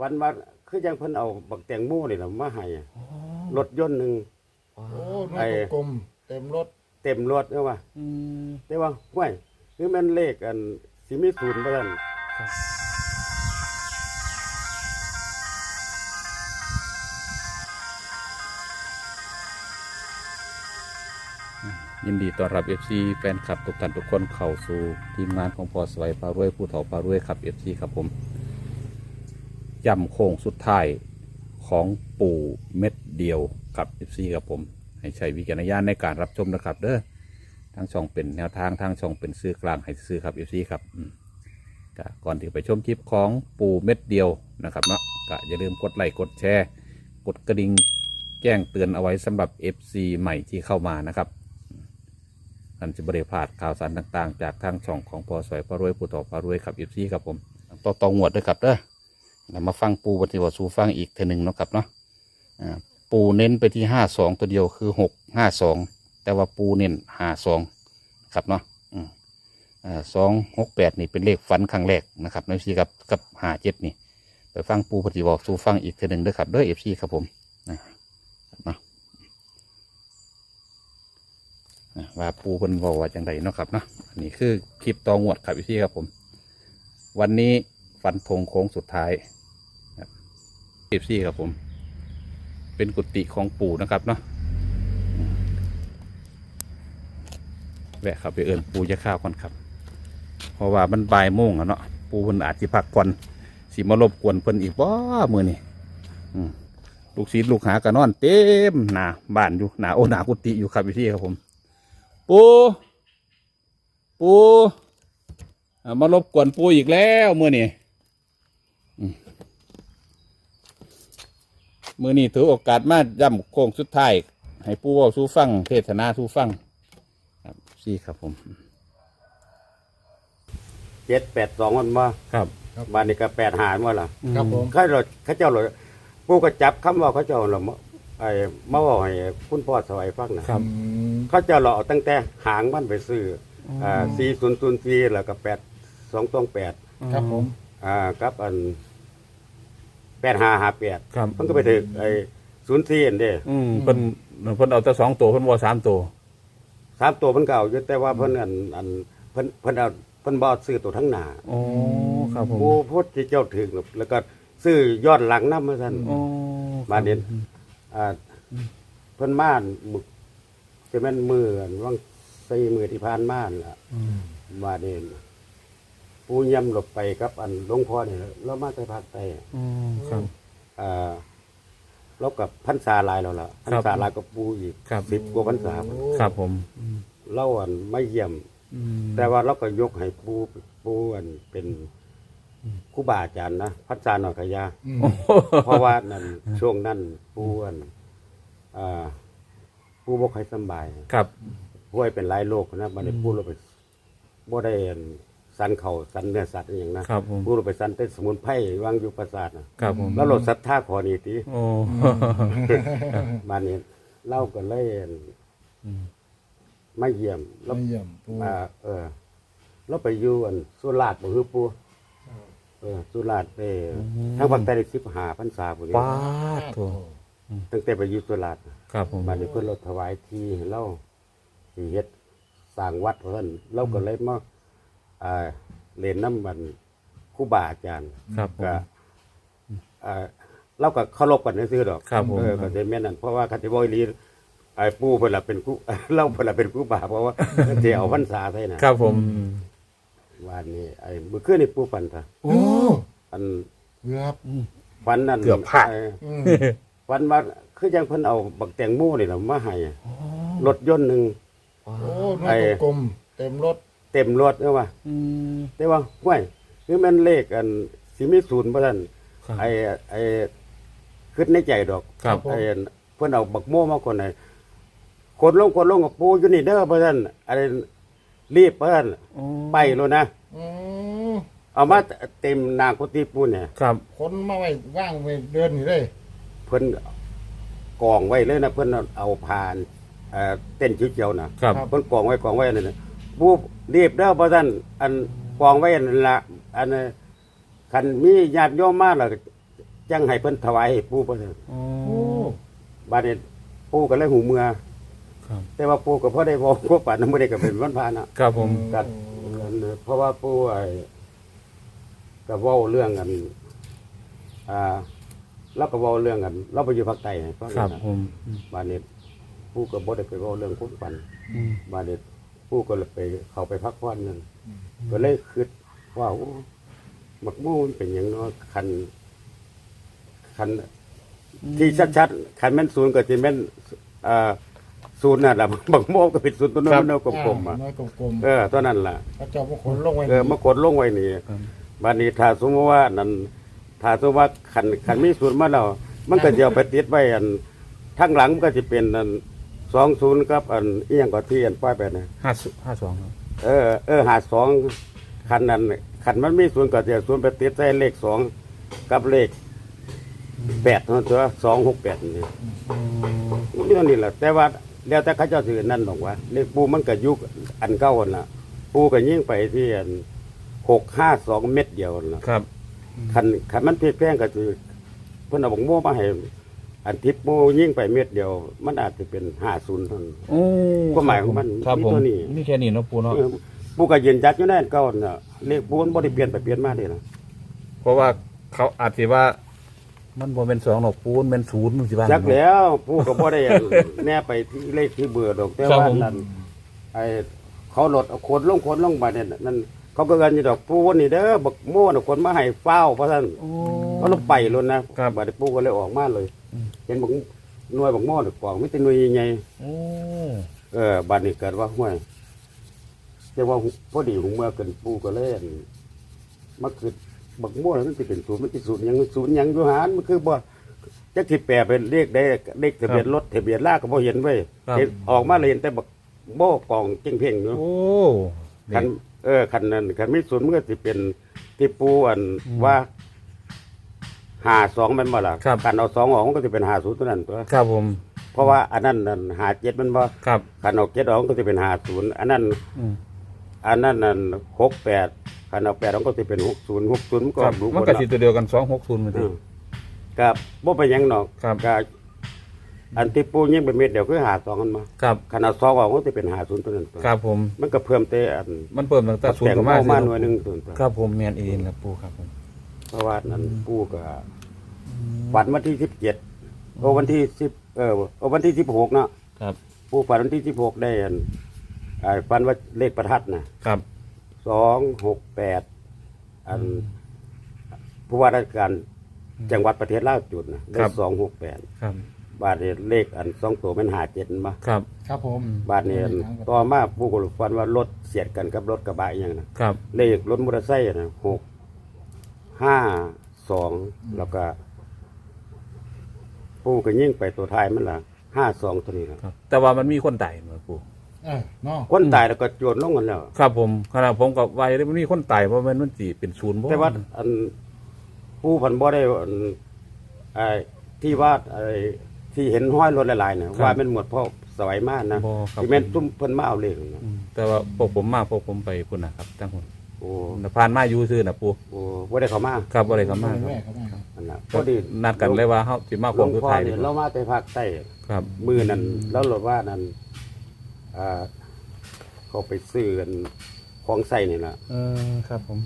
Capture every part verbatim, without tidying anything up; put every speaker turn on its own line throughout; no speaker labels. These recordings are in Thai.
ฝันว่าคือยังเพิ่นเอาบักแตงโมนี่ล่ะมาให้รถยนต์หนึง
โอ้หน้ากลมๆเต็มรถ
เต็มรถเด้อว่าแต่ว่าห้วยคือมันเลขอันสิมีศูนย์บ่ซั่น
ยินดีต้อนรับ เอฟ ซี แฟนคลับทุกท่านทุกคนเข้าสู่ทีมงานของพอสวัยพารวยผู้เฒ่าพารวยครับ เอฟ ซี ครับผมย่ำโค้งสุดท้ายของปู่เม็ดเดียวครับ เอฟ ซี ครับผมให้ใช้วิจารณญาณในการรับชมนะครับเด้อทางช่องเป็นแนวทางทางช่องเป็นซื้อกลางให้ซื้อครับ เอฟ ซี ครับก่อนที่ไปชมคลิปของปู่เม็ดเดียวนะครับเนาะก็อย่าลืมกดไลค์กดแชร์กดกระดิ่งแจ้งเตือนเอาไว้สำหรับ เอฟ ซี ใหม่ที่เข้ามานะครับท่านจะบริพลาดข่าวสารต่างๆจากทางช่องของพอสวยพารวยผู้ต่อพารวยครับ เอฟ ซี ครับผมต่อต่องวดด้วยครับเด้อเรามาฟังปูปฏิบัติสู่ฟังอีกเทนึงเนาะครับเนาะปูเน้นไปที่ห้าสองตัวเดียวคือหกห้าสองแต่ว่าปูเน้นห้าสองครับเนาะสองหกแปดนี่เป็นเลขฝันครั้งแรกนะครับเอฟซีกับกับห้าเจ็ดนี่ไปฟังปูปฏิบัติสู่ฟังอีกเทนึงด้วยครับเด้อเอฟซีครับผมนะว่าปูเพิ่นบอกว่าจังไดเนาะครับเนาะอันนี้คือคลิปตองวดครับพี่ครับผมวันนี้ฟันธงโค้งสุดท้ายคลิปซี่ครับผมเป็นกุฏิของปู่นะครับเนาะแวะครับไปเอิญปูจะข้าวก่อนครับเพราะว่ามันบ่ายโมงอะเนาะปูเพิ่นอาจจะพักก่อนสิมารบกวนเพิ่นอีกบ่มื้อนี้ลูกศิษย์ลูกหากระนอนเต็มหน้าบ้านอยู่หน้าโอหน้ากุฏิอยู่ครับพี่ครับผมปูปูมารบกวนปูอีกแล้วเมื่อนี่เมื่อนี่ถือโอกาสมาย่ำโค้งสุดท้ายให้ปูว่าสู้ฟังเทศนาสู้ฟังครับซี่ครับผม
เจ็ดแปดสองมันมา
ครับ
บ้านนี้ก็แปดหามาล่ะ
ครับผม
เขาเราเขาเจ้าเราปูก็จับคำว่าเขาเจ้าเราไอ้มาบอกให้คุณพ่อสวัยฟังนะครับเขาเจ้าเราเอาตั้งแต่หางมันไปซื้ออ่าสี่ศูนย์ศูนย์สี่แล้วก็แปดสองตองแปด
ครับผม
อ่ากับอันแปดห้าห้าแปดมันก็ไปถึงไอ้ศูนย์สี่อันเด้
อืมเพิ่นเพิ่นเอาแต่สองตัวเพิ่นว่าสามตัว
สามตัวเพิ่นเก่าอยู่แต่ว่าเพิ่นอันอันเพิ่นเพิ่นเอาเพิ่นบ่ซื้อตัวทั้งหน้า
อ๋อครับผม
ผู้พูดที่เจ้าถึงแล้วก็ซื้อยอดหลังนำมาซั่น
อ๋อ
มาเด่นอ่าเพิ่นมามึกจะแม่นมืออันว่างสี่มือที่ผ่านมาล่ะมาเด่นปูย่ำหลบไปกับอันหลวงพ่อนี่แล้วมาแต่ภาคใต้
อืมครับ
อ่าแล้วกับพรรษาหลายแล้วล่ะพรรษาหลายกับปูอีกสิบกว่าพรรษา
ครับผม
เล่าอันไม่เยี่ยมแต่ว่าเราก็ยกให้ปูปูอันเป็นครูบาอาจารย์นะพรรษาหน่อยกะยาเพราะว่านั่นช่วงนั้นปูอันอ่าปูบ่ค่อยสบาย
ครับ
ป่วยเป็นหลายโรคนะบัดนี้ปูเราไปบ่ได้สันเข่าสันเนื้อสัตว์อย่างนะครับปูเราไปสันเต้นสมุนไพรวางอยู่ประสาทนะครับผมแล้วเราศรัทธาขอนี่ติ
โอ้
บัดนี้เล่าก็เลยไม่เยี่ยม
ไม่เยี่ยมปู
อ่าเออเราไปอยู่อันสุราษฎร์บ่ฮือปูเออสุราษฎร์ไปทางภาคใต้ได้สิบห้าพรรษาพุ่นนี่
ป้าโธ่
ตั้งแต่ไปอยู่สุราษฎร์
ครับผม
บัดนี้เพิ่นเราถวายที่ให้เราสิเฮ็ดสร้างวัดเพิ่นเราก็เลยมาอ่าเรียนนำบัดครูบาอาจารย์
ครับ
ก็อ่าเราก็เคารพกันซื่อๆดอก
เอ
อก็ได้แม่นนั่นเพราะว่าคันสิบ่อีหลีไอ้ปู่เพิ่นล่ะเป็นครูเล่าเพิ่นล่ะเป็นครูบาเพราะว่าสิเอาพรรษาใส่น่ะ
ครับผม
วันนี้ไอ้มื้อคืนนี่ปู่ฝันซะ
โอ้
อัน
เกือบ
ฝันนั่น
เกือบพลาด
ฝันว่าคือจังเพิ่นเอาบักแตงโมนี่ล่ะมาให้รถยนต์นึง
โอ้หน้ากลมเต็มรถ
เต็มรถเด้อว่าแต่ว่าห้วยคือมันเลขอันสิมีศูนย์บ่ซั่นไอ้ไอ้คิดในใจดอกไอ้เพิ่นเอาบักโมมาคนให้คนลงคนลงกับปูอยู่นี่เด้อบ่ซั่นอะไรรีบเพิ่นไปโลนะเอามาเต็มหน้ากุฏิปูเนี่ย
ครับ
คนมาไว้ว่างไว้เดินนี่เลย
เพิ่นกองไว้เลยนะเพิ่นเอาผ่านเอ่อเต้นเขียวๆน่ะเพิ่นกองไว้กองไว้นั่นน่ะปูรีบเด้อบ่ซั่นอันกองไว้นั่นล่ะอันคันมีญาติโยมมาแล้วจังให้เพิ่นถวายให้ปู่เพิ่น
อ๋อ
โอ้
บัดนี้ปู่ก็เลยหูเมือ
ครับ
แต่ว่าปู่ก็พอได้บอกว่าป่านนั้นบ่ได้ก็เป็นวันพานะ
ครับผม
กันเพราะว่าปู่ไอ้ก็เว้าเรื่องกันอ่าเราก็เว้าเรื่องกันเราไปอยู่ภาคใต้ให้ฟัง
ครับ
นะ
ผมอืม
บัดนี้ปู่ก็บ่ได้ไปเว้าเรื่องคุณปัน
อืม
บัดนี้ปู่ก็เลยไปเข้าไปพักผ่อนนั่นก็เลยคิดว่าโอ้บักโม่มันเป็นหยังเนาะคันคัน ที่ชัดๆขันแม่นศูนย์ก็จะแม่นอ่าศูนย์นั่นแหละ บักโมกก็เป็นศูนย์ตัวนั้นมันเอากลมๆอ่ะ
น้อยกลม
เออตัวนั้นล่ะ
ๆพระเจ้าพระขนลงไว้
เออมากดลงไว้นี่
ครับ
บัดนี้ถ้าสมมติว่านั่นถ้าสมมติว่าขันขันมีศูนย์มาแล้วมันก็จะเอาไปติดไว้อันทั้งหลังมันก็จะเป็นอันสองศูนย์กับอันอีหยังก็ที่อันป้ายไปนะ
ห้าสิบห้าสองครับ
เออเออหาสองขันนั้นขันมันมีศูนย์ก็จะศูนย์ไปติดใส่เลขสองกับเลขแปดเท่านั้นตัวสองหกแปดนี่
อืม
เรื่องนี้แหละแต่ว่าแล้วแต่เขาเจ้าถือนั่นบอกว่าเลขปูมันก็ยุคอันเก้าอันละปูก็ยิ่งไปที่อันหกห้าสองเม็ดเดียวนั่นล่ะ
ครับ
คันคันมันเพียแป้งก็คือเพิ่นเอาบักโม่มาให้อันทิพปูยิ่งไปเม็ดเดียว มันอาจจะเป็นห้าศูนย์เท่านั้น
โอ้
ความหมายของมัน
ครับ
มี
ผม
ตัวนี้
มีแค่นี้เนาะปูเนาะ
เออปูก็ยืนจัดอยู่ในอันเก้าอันน่ะเลขปูมันบ่ได้เปลี่ยนไปเปลี่ยนมาเด้นะ
เพราะว่าเขาอาจจะว่า มันบ่เป็นสองหรอกปูนเป็นศูนย์มันสิบ้าง
จักแล้วปูก็บ่ได้ แน่ไปที่เลขที่เบื่อดอกแต่
ครับ
ว่า
ผม
นั่น ไอ้เขาลดเอาคนลงคนลงมาเนี่ยนั่นเขาก็เกินอยู่ดอกปูนี่เด้อบักโม่น่ะคนมาให้เฝ้าเพราะท่าน
โอ้
เขาลงไปเลยนะครับ บัดนี้ปูก็เลยออกมาเลย
อืม
เห็นบักหน่วยบักโม่น่ะกองไม่แต่หน่วยใหญ่
โอ้
ๆเออบัดนี้เกิดว่าห้วยแต่ว่าพอดีหุงเมื่อเกินปูก็เลยอั่นมาคือบักโม่น่ะมันสิเป็นศูนย์มันสิศูนย์หยังศูนย์หยังอยู่หารมันคือบ่จักสิแปลเป็นเลขได้เลขทะเบียนรถทะเบียนลากก็บ่เห็นเว้ยเห็นออกมาเลยเห็นแต่บักโม่กองเพ่งๆอยู่
โอ้
คันเออคันนั้นคันมีศูนย์มันก็สิเป็นที่ปูอันว่าหาสองมันบ่ล่ะคันเอาสองออกมันก็จะเป็นหาศูนย์ตัวนั้นตัว
ครับผม
เพราะว่าอันนั้นนั่นหาเจ็ดมันบ่
ครับ
คันเอาเจ็ดออกมันก็จะเป็นหาศูนย์อันนั้น
อืม
อันนั้นนั่นหกแปดคันเอาแปดออกก็จะเป็นหกศูนย์หกศูนย์มันก็
ครับ
ดู
มันก็สิตัวเดียวกันสองหกศูนย์เหมือน
เอ
กัน
อกับบ่ไปนหยังหนอก
ครับ
ก็อันที่ปูยิงเป็นเม็ดเดียวคือหาสองกันมา
ครับ
คันเอาสองออกมันก็จะเป็นหาศูนย์ตัวนั้นตัว
ครับผม
มันก็เพิ่มแต่อัน
มันเพิ่มตั้งแต่ศูน
แต่
ย์
ง
กับ
มา
มา
มาหน่วยหนึงตัวนั้นตัว
ครับผมแมนเองครับปูครับผม
เพราะว่านั้นปู่ก็ฝันวันที่สิบเจ็ดโอวันที่สิบเออโอวันที่สิบหกเนาะ
ครับ
ปู่ฝันวันที่สิบหกได้อันอ่าฝันว่าเลขประทัดนะครับ สองหกแปดอันผู้ว่าราชการจังหวัดประเทศลาวจุดนะได้สองหกแปด
ครับ
บาทนี้เลขอันสองตัวมันหาเจ็ดมา
ครับ
ครับผม
บาทนี้อันต่อมาปู่ก็ฝันว่ารถเสียดกันกับรถกระบะอหย่างนะครับ เลขรถมอเตอร์ไซค์นะหกห้าสองแล้วก็ ปูก็ยิ่งไปตัวท้ายมันละห้าสองตัวนี้นะครับ
แต่ว่ามันมีคนตายมาปู
เออเนาะ
คนตายแล้วก็โจรลงกันแล้ว
ครับผมขณะผมกับวัยมันมีคนตายเพราะมันมันจีเป็นศูนย์บ่
แต่ว่าอันปูพันบ่ได้อันไอ้ที่ว่าไอ้ที่เห็นห้อยรถหลายๆเนี่ยว่าเป็นหมวดพ่อสวัยมากนะ
บ่ครับ
ที่แม่นตุ้มเพิ่นมาเอาเลขนะ
อืมแต่ว่าพวกผมมาพวกผมไปพุ่นนะครับตั้งคน
โอ้
ผ่านมาอยู่ซื่อนะปู
โอ้บ่ได้เข้ามา
ครับบ่ได้เข้ามาค
แม่
รับ
ครับแม่ครับ
อันน่ะพอดี
นัดกันเลยว่าเฮาสิมา
หล
คว
ว
ง
ง
สุด
พ่อ
ท้าย
เนี่ยเรามาแต่ภาคใต้
ครับ
มือนั้นแล้วเราว่านั้นอ่าเขาไปซื้อกันของใส่นี่ล่ะ
เออครับผม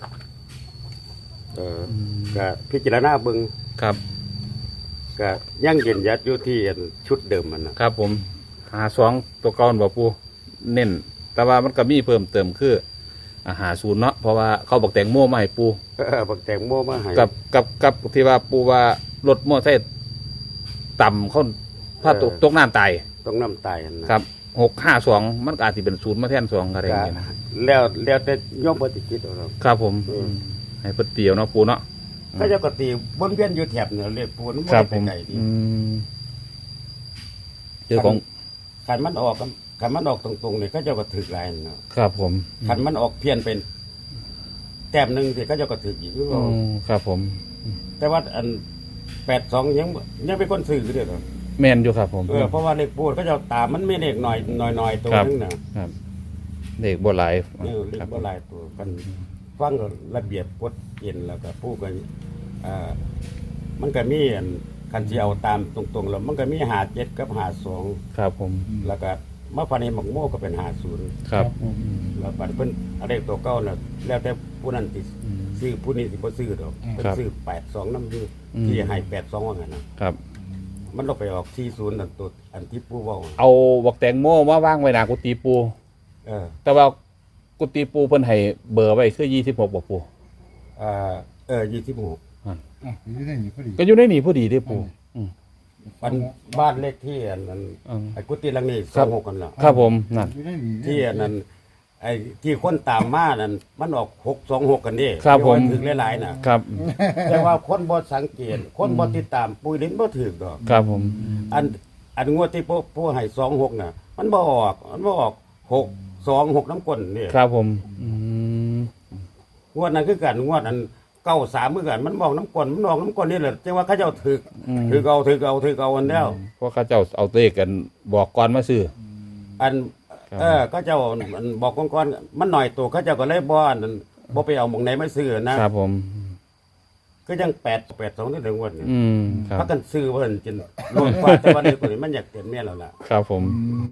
เออก็พิจารณาเบิ่ง
ครับ
ก็ยังยืนยัดอยู่ที่อันชุดเดิมมันนะครับ
ผมหาสองตัวก่อนบ่ปูเน้นแต่ว่ามันก็มีเพิ่มเติมคืออาหารศูนย์เนาะเพราะว่าเขาบอกแต่งโม่มาให้ปู
เออบักแตงโมมาให้
กับกับกับที่ว่าปูว่ารถมอเตอร์ไซค์ต่ำเขาถ้าตกตกน้ำตาย
ต้องน้ำตายนะครับ
หกห้าสองมันก็อาจจะเป็นศูนย์มาแทนสองอะไรอย่างเงี้ยนะ
แล้วแล้วแต่โยมปฏิกิจเอาเนาะ
ครับผม
อืม
ให้เพิ่นเตียวเนาะปูเนาะ
ก็จะกตีบนเวียนอยู่แถบเนี่ยเรียกปูน
ครับ
ไป
ผม
ไกลดี
อืมเรื่องของ
ขันมันออกกันขันมันออกตรงๆเนี่ยก็จะกระถึกหลายเนาะ
ครับผม
ขันมันออกเพี้ยนเป็น แต้มหนึ่งสิก็จะกระถึกอีก
อืมครับผม
แต่ว่าอันแปดสองยังยังเป็นคนซื้อเด้อเนาะ
แมนอยู่ครับผม
เออเพราะว่าเลขปูนก็จะตามมันไม่เลขหน่อยหน่อยหน่อยตัว
ครับ
นึงนะครับ
เด็กบ่หลาย
เออเล
ค
ข
รับ
บ่หลายตัวกันฟังระเบียบกฎเกณฑ์แล้วก็ผู้กันอ่ามันก็มีอันคันสิเอาตามตรงๆแล้วมันก็มีห้าเจ็ดกับห้าสอง
ครับผม
แล้วก็มาพันในหมกโม่ก็เป็นห้าศูนย์
ครับ
ผม
แล้วบัดเพิ่นอะไรตัวเก่าน่ะแล้วแต่ผู้นั้นสิซื้อผู้นี้สิบ่ซื้อดอกเพิ่นซื้อแปดสองนำซื้อที่ให้แปดสองว่างั้นนะครับ มันลงไปออกสี่ศูนย์นั่นตัวอันที่ผู้เว้า
เอาบักแตงโมมาว่างไว้หน้ากุฏิปู
เออ
แต่ว่ากุฏิปูเพิ่นให้เบอร์ไว้คือยี่สิบหกบ่ปู
เอ่อเออยี่สิบหก
อ่ะอยู่ได้นี่พอดี
ก็อยู่ในนี่พอดีเด้ปูอืม
บ้านบ้านเลขที่อันนั้น
อืม
ไอ้กุฏิหลังนี้
ค
ส
รั
อบ งหกกันละ
ครับผมนั่น
อยู่ได้นี่
ที่อันนั้นไอ้ที่คนตามมานั่นมันออกหกสองหกกันนี่
ครับผม
ถึงหลายๆน่ะ
ครับ
แต่ว่าคนบ่สังเกตคนบ่ติดตามปุยลิ้นบ่ถึกดอก
ครับผม
อันอันงวดที่ผู้ผู้ให้สองหกน่ะ มันบ่ออกมันบ่ออกหกสองหกน้ำก้นนี่
ครับผมอืม
งวดนั้นคือกันงวดอันเก้าสามคือกันมันบอกน้ำก้นมันออกน้ำก้นนี่แหละจังว่าเขาเจ้าถึกถึกเอาถึกเอาถึกเอาอันแล้ว
เพราะเขาเจ้าเอาเลขกันบอกก่อนมาซื้อ
อัน
ครับ
เออก็เจ้าอันบอกก่อนๆมันหน่อยตัวเขาเจ้าก็เลยบ่อันนั้นบ่ไปเอาหมองไหนมาซื้อนะครับ
ผม
ก็ยังแปดแปดสองนี่ถึงงวดนี่
อืมครับ
พักกันซื้อเพิ่นจนโลดกว่าแต่วันนี้คนนี้มันอยากเต็มแม่แล้วล่ะ
ครับผม